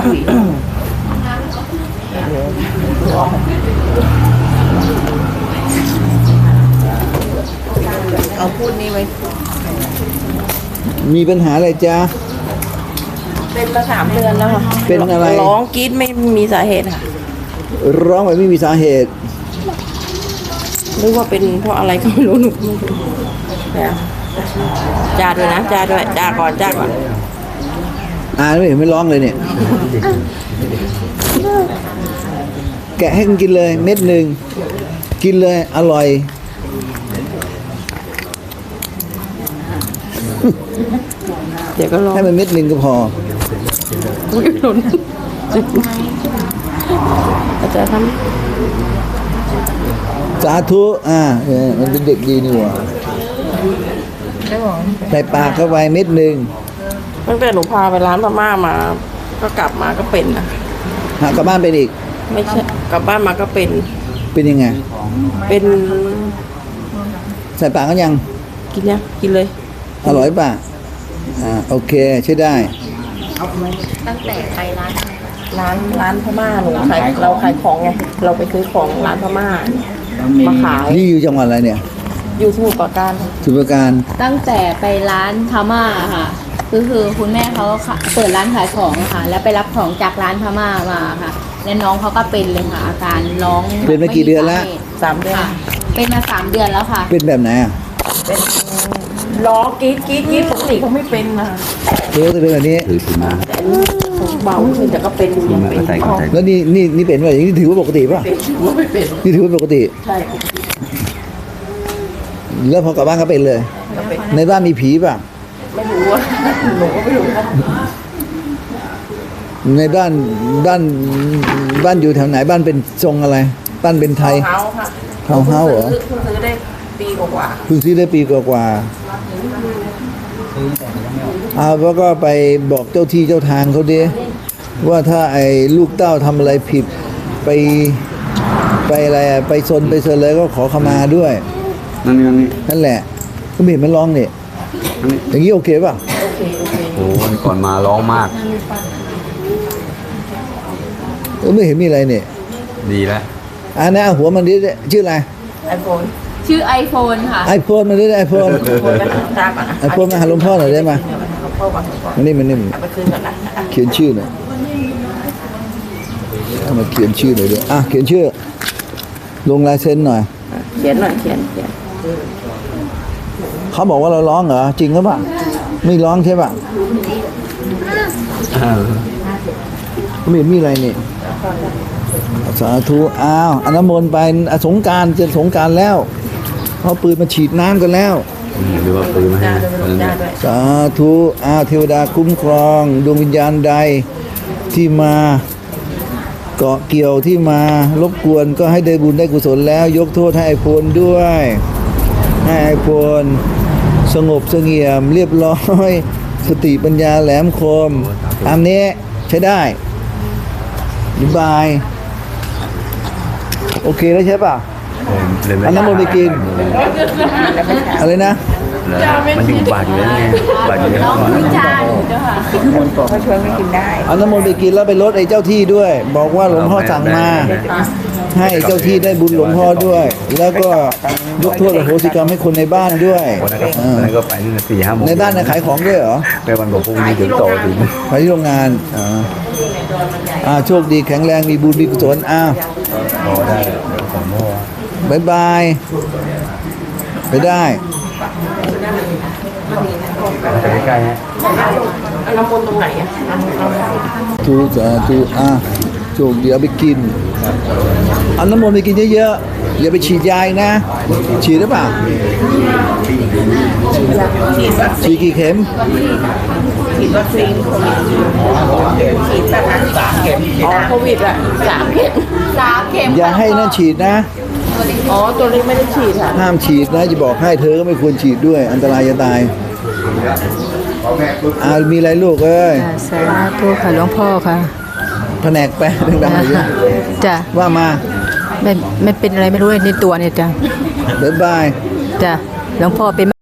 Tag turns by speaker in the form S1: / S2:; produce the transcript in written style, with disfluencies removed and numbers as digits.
S1: เอาพูดนี่ไว้
S2: มีปัญหาอะไรจ๊ะ
S1: เป็นมา3 เดือนแล้วค่ะ
S2: เป็นอะไร
S1: ร้องกรี๊ดไม่มีสาเหตุค่ะ
S2: ร้องแบบไม่มีสาเหตุ
S1: หรือว่าเป็นเพราะอะไรก็ไม่รู้หนูไม่รู้จ้าด้วยนะจ้าด้วยจ้าก่อน
S2: ไม่เห็นไม่ร้องเลยเนี่ยแกะให้มันกินเลยเม็ดหนึ่งกินเลยอร่อย
S1: เดี๋ยวก็ร้อง
S2: ให้มันเม็ดหนึ่งก็พอ
S1: อุ้ยหล่นอาจารย์ท
S2: ำสาธุมันเป็นเด็กดีนี่หว่าใส่ปากเข้าไปเม็ดหนึ่ง
S1: ตั้งแต่หนูพาไปร้านพม่ามาก็กลับมาก็เป็นนะ
S2: กลับบ้านเป็นอีก
S1: ไม่ใช่กลับบ้านมาก็เป็น
S2: ยังไง
S1: เป็น
S2: ใส่ปากก็ยัง
S1: กินเลย
S2: อร่อยป่ะโอเคใช้ได้
S3: ตั้งแต่ไป
S1: ร้านพม่าหนูเราขายของไงเราไปซื้อของร้านพม่ามาขาย
S2: นี่อยู่จังหวัดอะไรเนี่ย
S1: อยู่สมุทรปราการ
S2: สมุทรปราการ
S3: ตั้งแต่ไปร้านพม่าค่ะก็คือคุณแม่เขาเปิดร้านขายของค่ะแล้วไปรับของจากร้านพม่ามาค่ะแล้วน้องเขาก็เป็นเลยค่ะอาการร้อง
S2: เป็นมากี่เดือนแล้ว
S1: 3 เดือน
S3: เป็นมา3 เดือนแล้วค่ะ
S2: เป็นแบบไหน
S1: เป็นร้องกรี๊ดปกติเขาไม่เป็นนะ
S2: เป็นแบบนี้
S1: แต่เบาขึ้นแต่ก็เป็นอยู่ยังเป็น
S2: แล้วนี่เป็นว่าอย่างนี้ถือว่าปกติป่ะนี่ถือว่าปกติ
S1: ใช่
S2: แล้วพอกลับบ้านก็เป็นเลยในบ้านมีผีป่ะ
S1: ไม่รู้ว่าหนูก็ไม่รู้
S2: ในบ้านอยู่แถวไหนบ้านเป็นทรงอะไรบ้านเป็นไทย
S1: เฮา
S2: เหรอ
S1: คุณซื้อได้ปีกว่า
S2: คุณซื้อได้ปีกว่าแล้วก็ไปบอกเจ้าที่เจ้าทางเขาดิว่าถ้าไอ้ลูกเต้าทำอะไรผิดไปอะไรไปซนเลยก็ขอขมาด้วยนั่นแหละก็ไม่เห็นมันร้องเนี่ยอย่างนี้โอเคป่ะ
S4: โอ้วันก่อนมาร้องมาก
S2: ไม่เห็นมีอะไรเนี่ย
S4: ดีแล้ว
S2: นะหัวมันดิชื่ออะไร
S1: iPhone
S3: ชื่อ iPhone ค่ะ
S2: iPhone มันดิiPhone มาหาหลวงพ่อหน่อยได้ไหมมันนี่
S1: ไปคืนก่อนนะ
S2: เขียนชื่อหน่อยทำไมเขียนชื่อหน่อยด้วยเขียนชื่อลงลายเซ็นหน่อย
S1: เขียน
S2: เขาบอกว่าเราร้องเหรอจริงหรือเปล่าไม่ร้องใช่ป่ะไม่มีอะไรนี่สาธุอนุโมทนาไปสงกรานต์จะสงกรานต์แล้วเขาปืนมาฉีดน้ำกันแล้ว
S4: หรือว่าปืนมาให้
S2: สาธุเทวดาคุ้มครองดวงวิญญาณใดที่มาเกาะเกี่ยวที่มารบกวนก็ให้ได้บุญได้กุศลแล้วยกโทษให้ไอโฟนด้วยให้ไอโฟนสงบเสงี่ยมเรียบร้อยสติปัญญาแหลมคมอันนี้ใช้ได้บายโอเคแล้วใช่ป่ะอันนั้นมันไปกินอะไรนะ
S4: มันอยู่บาดอยู่แล้วไงบาดอยู่แล้ว
S1: เขาชวนไม่กินได้
S2: อันนั้นมันไปกินแล้วไปลดไอ้เจ้าที่ด้วยบอกว่าหลวงพ่อสั่งมาให้เจ้าที่ได้บุญหลวงพ่อด้วยแล้วก็ยกโทษอโหสิกรรมให้คนในบ้านด้วย
S4: แล้วก็ไปนี่4-5 โมง
S2: ในบ้านขายของด้วยเหรอ
S4: ในวันของพรุ่งนี้ถึงโตถึง
S2: ไปที่โรงงานโชคดีแข็งแรงมีบุญมีกุศล
S4: ได้
S2: บายบายไปได้
S4: ใกล้ๆฮะ
S1: น้ำมนต์ตรงไหน
S2: ทูโชคดีเอาไปกินเอาน้ำมนต์ไปกินเยอะๆอย่าไปฉีดยานะฉีดหรือเปล่าฉีดกี่เข็ม
S1: ฉีดวัคซีนฉีด3 เข็มโควิด3 เข็ม
S2: อย่าให้นั่นฉีดนะ
S1: ตัวนี้ไม่ได้ฉีดค่ะ
S2: ห้ามฉีดนะจะบอกให้เธอก็ไม่ควรฉีดด้วยอันตรายจะตายมีอะไรลูกเอ้ย
S3: สาธุค่ะหลวงพ่อค่ะ
S2: แผนกแปะดังๆเลย
S3: จ้ะ
S2: ว่ามา
S3: ไม่เป็นอะไรไม่รู้ในตัวเนี่ยจ้ะ
S2: บ๊ายบาย
S3: จ้ะหลวงพ่อเป็น